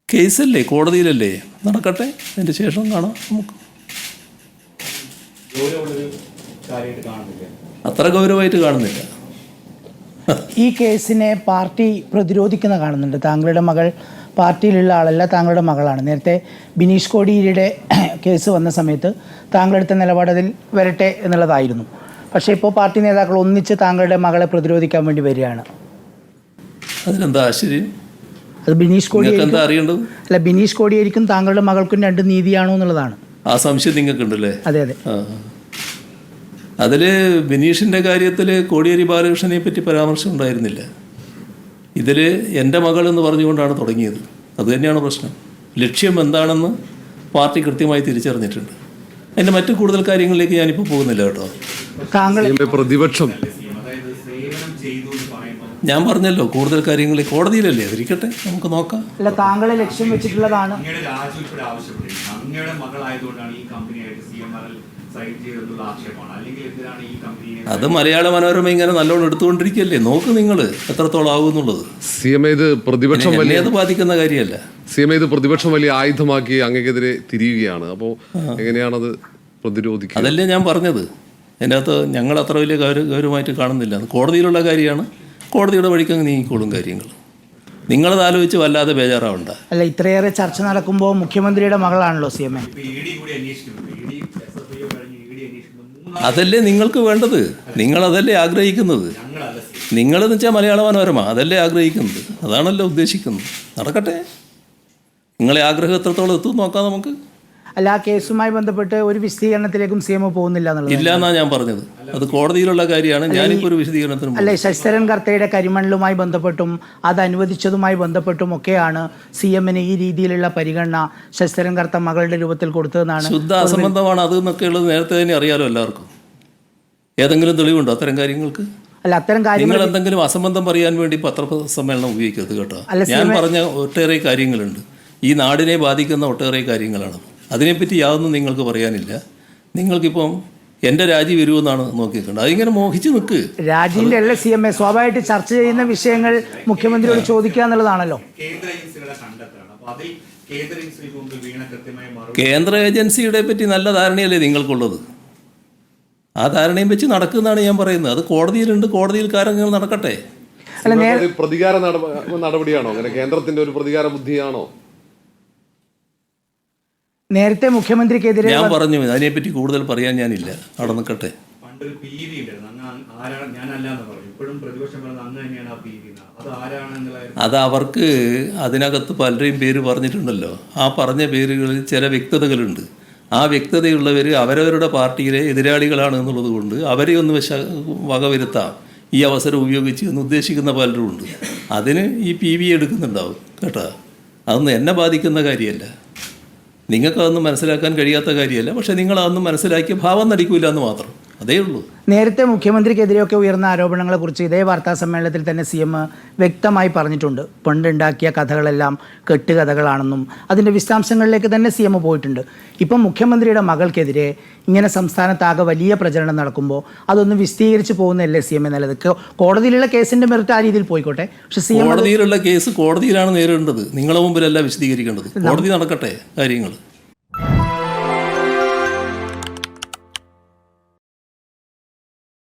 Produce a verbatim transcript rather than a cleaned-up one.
കേസല്ലേ, കോടതിയിലല്ലേ, നടക്കട്ടെ, അതിൻ്റെ ശേഷം കാണാം നമുക്ക്. അത്ര ഗൗരവമായിട്ട് കാണുന്നില്ല. ഈ കേസിനെ പാർട്ടി പ്രതിരോധിക്കുന്ന കാണുന്നുണ്ട്. താങ്കളുടെ മകൾ പാർട്ടിയിലുള്ള ആളല്ല, താങ്കളുടെ മകളാണ്. നേരത്തെ ബിനീഷ് കോടിയേരിയുടെ കേസ് വന്ന സമയത്ത് താങ്കളെടുത്ത നിലപാട് അതിൽ വരട്ടെ എന്നുള്ളതായിരുന്നു. പക്ഷേ ഇപ്പോൾ പാർട്ടി നേതാക്കൾ ഒന്നിച്ച് താങ്കളുടെ മകളെ പ്രതിരോധിക്കാൻ വേണ്ടി വരികയാണ്. അതിനെന്താ ആശ്ചര്യം? അത് ബിനീഷ് കോടിയേരി എന്താ അറിയേണ്ടത്? അല്ല, ബിനീഷ് കോടിയേരിക്കും താങ്കളുടെ മകൾക്കും രണ്ട് നീതിയാണോ എന്നുള്ളതാണ്. ആ സംശയം നിങ്ങൾക്കുണ്ടല്ലേ? അതെ അതെ. അതിൽ ബിനീഷിൻ്റെ കാര്യത്തിൽ കോടിയേരി ബാലകൃഷ്ണനെ പറ്റി പരാമർശം ഉണ്ടായിരുന്നില്ല. ഇതിൽ എൻ്റെ മകൾ എന്ന് പറഞ്ഞുകൊണ്ടാണ് തുടങ്ങിയത്. അതുതന്നെയാണ് പ്രശ്നം. ലക്ഷ്യം എന്താണെന്ന് പാർട്ടി കൃത്യമായി തിരിച്ചറിഞ്ഞിട്ടുണ്ട്. അതിൻ്റെ മറ്റു കൂടുതൽ കാര്യങ്ങളിലേക്ക് ഞാനിപ്പോൾ പോകുന്നില്ല കേട്ടോ. താങ്കൾ പ്രതിപക്ഷം ഞാൻ പറഞ്ഞല്ലോ, കൂടുതൽ കാര്യങ്ങൾ കോടതിയിലല്ലേ, അതിരിക്കട്ടെ, നമുക്ക് നോക്കാം. അല്ല, താങ്കളെ ലക്ഷ്യം വെച്ചിട്ടുള്ളതാണ്. അത് മലയാള മനോരമ ഇങ്ങനെ നല്ലോണം എടുത്തുകൊണ്ടിരിക്കുകയല്ലേ, നോക്ക് നിങ്ങൾ എത്രത്തോളം ആകുന്നുള്ളത്. സി എം ഇത് പ്രതിപക്ഷം വലിയ അത് ബാധിക്കുന്ന കാര്യമല്ല. സി എം ഇത് പ്രതിപക്ഷം വലിയ ആയുധമാക്കി അങ്ങക്കെതിരെ തിരിയുകയാണ്. അപ്പോൾ എങ്ങനെയാണത് പ്രതിരോധിക്കുക? അതല്ലേ ഞാൻ പറഞ്ഞത്. അതിനകത്ത് ഞങ്ങൾ അത്ര വലിയ ഗൗരവ ഗൗരവമായിട്ട് കാണുന്നില്ല. കോടതിയിലുള്ള കാര്യമാണ്, കോടതിയുടെ വഴിക്ക് അങ്ങ് നീങ്ങിക്കോളും കാര്യങ്ങൾ. നിങ്ങളത് ആലോചിച്ച് വല്ലാതെ ബേജാറാവണ്ട. അല്ല, ഇത്രയേറെ ചർച്ച നടക്കുമ്പോൾ മുഖ്യമന്ത്രിയുടെ മകളാണല്ലോ സി എം എ. അതല്ലേ നിങ്ങൾക്ക് വേണ്ടത്, നിങ്ങളതല്ലേ ആഗ്രഹിക്കുന്നത്. നിങ്ങളെന്ന് വെച്ചാൽ മലയാള മനോരമ അതല്ലേ ആഗ്രഹിക്കുന്നത്, അതാണല്ലോ ഉദ്ദേശിക്കുന്നത്. നടക്കട്ടെ, നിങ്ങളെ ആഗ്രഹം എത്രത്തോളം എത്തും നോക്കാം നമുക്ക്. അല്ല, ആ കേസുമായി ബന്ധപ്പെട്ട് ഒരു വിശദീകരണത്തിലേക്കും സി എം പോകുന്നില്ല എന്നുള്ളത് ഇല്ല എന്നാണ് ഞാൻ പറഞ്ഞത്. അത് കോടതിയിലുള്ള കാര്യമാണ്. ഞാനിപ്പോൾ ഒരു വിശദീകരണത്തിന് അല്ലെ, ശശിധരൻ കർത്തയുടെ കരിമണലുമായി ബന്ധപ്പെട്ടും അത് അനുവദിച്ചതുമായി ബന്ധപ്പെട്ടും ഒക്കെയാണ് സി എമ്മിന് ഈ രീതിയിലുള്ള പരിഗണന ശശിധരൻ കർത്ത മകളുടെ രൂപത്തിൽ കൊടുത്തതെന്നാണ്. ശുദ്ധ അസംബന്ധമാണ് അത് എന്നൊക്കെയുള്ളത് നേരത്തെ തന്നെ അറിയാലോ എല്ലാവർക്കും. ഏതെങ്കിലും തെളിവുണ്ടോ അത്തരം കാര്യങ്ങൾക്ക്? അല്ല, അത്തരം കാര്യങ്ങൾ നിങ്ങൾ എന്തെങ്കിലും അസംബന്ധം പറയാൻ വേണ്ടി പത്രസമ്മേളനം ഉപയോഗിക്കരുത് കേട്ടോ. ഞാൻ പറഞ്ഞ ഒട്ടേറെ കാര്യങ്ങളുണ്ട്, ഈ നാടിനെ ബാധിക്കുന്ന ഒട്ടേറെ കാര്യങ്ങളാണ്. അതിനെപ്പറ്റി യാതൊന്നും നിങ്ങൾക്ക് പറയാനില്ല. നിങ്ങൾക്കിപ്പം എൻ്റെ രാജി വരുമെന്നാണ് നോക്കിയിട്ടുണ്ട്. അതിങ്ങനെ മോഹിച്ച് നിൽക്ക്. രാജിന്റെ അല്ല സി എം എ, സ്വാഭാവികമായിട്ട് ചർച്ച ചെയ്യുന്ന വിഷയങ്ങൾ മുഖ്യമന്ത്രിയോട് ചോദിക്കുക എന്നുള്ളതാണല്ലോ. കേന്ദ്ര ഏജൻസിയുടെ പറ്റി നല്ല ധാരണയല്ലേ നിങ്ങൾക്കുള്ളത്? ആ ധാരണയും വെച്ച് നടക്കുന്നതാണ് ഞാൻ പറയുന്നത്. അത് കോടതിയിലുണ്ട്, കോടതിയിൽ കാര്യങ്ങൾ നടക്കട്ടെ. പ്രതികാര നടപടിയാണോ അങ്ങനെ? കേന്ദ്രത്തിന്റെ ഒരു പ്രതികാര ബുദ്ധിയാണോ? നേരത്തെ മുഖ്യമന്ത്രിക്കെതിരെ ഞാൻ പറഞ്ഞു, അതിനെപ്പറ്റി കൂടുതൽ പറയാൻ ഞാനില്ല, അവിടെ നിൽക്കട്ടെ. അത് അവർക്ക് അതിനകത്ത് പലരെയും പേര് പറഞ്ഞിട്ടുണ്ടല്ലോ. ആ പറഞ്ഞ പേരുകളിൽ ചില വ്യക്തതകളുണ്ട്. ആ വ്യക്തതയുള്ളവർ അവരവരുടെ പാർട്ടിയിലെ എതിരാളികളാണ് എന്നുള്ളത് കൊണ്ട് അവരെ ഒന്ന് വശ വകവരുത്താം ഈ അവസരം ഉപയോഗിച്ച് എന്ന് ഉദ്ദേശിക്കുന്ന പലരും ഉണ്ട്. അതിന് ഈ പി വി എടുക്കുന്നുണ്ടാവും കേട്ടോ. അതൊന്നും എന്നെ ബാധിക്കുന്ന കാര്യമല്ല, നിങ്ങൾക്കതൊന്നും മനസ്സിലാക്കാൻ കഴിയാത്ത കാര്യമല്ല. പക്ഷേ നിങ്ങളതൊന്നും മനസ്സിലാക്കിയ ഭാവം നടിക്കില്ല എന്ന് മാത്രം, അതേ ഉള്ളൂ. നേരത്തെ മുഖ്യമന്ത്രിക്കെതിരെയൊക്കെ ഉയർന്ന ആരോപണങ്ങളെക്കുറിച്ച് ഇതേ വാർത്താ സമ്മേളനത്തിൽ തന്നെ സി എം വ്യക്തമായി പറഞ്ഞിട്ടുണ്ട്. പണ്ടുണ്ടാക്കിയ കഥകളെല്ലാം കെട്ടുകഥകളാണെന്നും അതിൻ്റെ വിശദാംശങ്ങളിലേക്ക് തന്നെ സി എം പോയിട്ടുണ്ട്. ഇപ്പം മുഖ്യമന്ത്രിയുടെ മകൾക്കെതിരെ ഇങ്ങനെ സംസ്ഥാനത്താകെ വലിയ പ്രചരണം നടക്കുമ്പോൾ അതൊന്ന് വിശദീകരിച്ച് പോകുന്നതല്ലേ സി എം നല്ലത്? കോടതിയിലുള്ള കേസിൻ്റെ മെറിറ്റ് ആ രീതിയിൽ പോയിക്കോട്ടെ, പക്ഷേ സി എം കോടതിയിലുള്ള കേസ് കോടതിയിലാണ് നേരിടേണ്ടത്, നിങ്ങളുടെ മുമ്പിലല്ല വിശദീകരിക്കേണ്ടത്. കോടതി നടക്കട്ടെ കാര്യങ്ങൾ.